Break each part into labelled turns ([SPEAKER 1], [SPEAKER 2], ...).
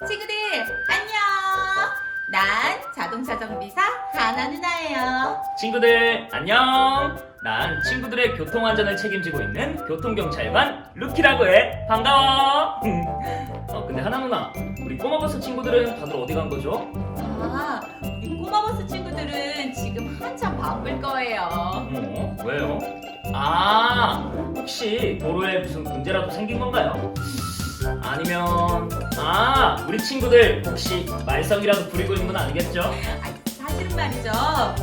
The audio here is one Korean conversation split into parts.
[SPEAKER 1] 친구들 안녕. 난 자동차 정비사 하나 누나예요.
[SPEAKER 2] 친구들 안녕. 난 친구들의 교통안전을 책임지고 있는 교통경찰관 루키라고 해. 반가워. 근데 하나 누나, 우리 꼬마버스 친구들은 다들 어디 간 거죠?
[SPEAKER 1] 우리 꼬마버스 친구들은 지금 한참 바쁠 거예요.
[SPEAKER 2] 왜요? 혹시 도로에 무슨 문제라도 생긴 건가요? 아니면 우리 친구들 혹시 말썽이라도 부리고 있는 건 아니겠죠?
[SPEAKER 1] 사실은 말이죠.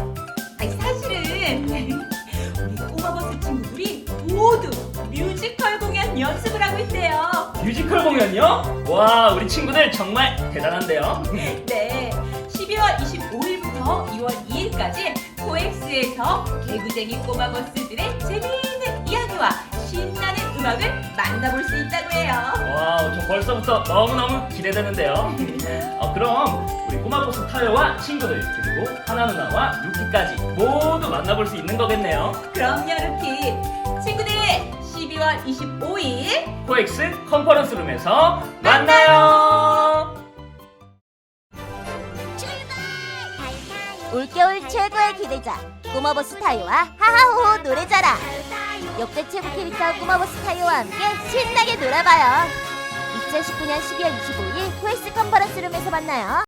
[SPEAKER 1] 사실은 우리 꼬마버스 친구들이 모두 뮤지컬 공연 연습을 하고 있대요.
[SPEAKER 2] 뮤지컬 공연이요? 와, 우리 친구들 정말 대단한데요?
[SPEAKER 1] 네, 12월 25일부터 2월 2일까지 코엑스에서 개구쟁이 꼬마버스들의 재미있는 이야기와 신나는 음악을 만나볼 수 있다고 해요.
[SPEAKER 2] 와우, 저 벌써부터 너무너무 기대되는데요. 그럼 우리 꼬마버스 타요와 친구들 그리고 하나 누나와 루키까지 모두 만나볼 수 있는 거겠네요.
[SPEAKER 1] 그럼요, 루키. 친구들, 12월 25일
[SPEAKER 2] 코엑스 컨퍼런스룸에서 만나요.
[SPEAKER 3] 올겨울 최고의 기대작 꼬마버스 타요와 하하호호 노래자랑. 역대 최고 캐릭터 꼬마버스 타요와 함께 신나게 놀아봐요. 2019년 12월 25일 코엑스 컨퍼런스룸에서 만나요.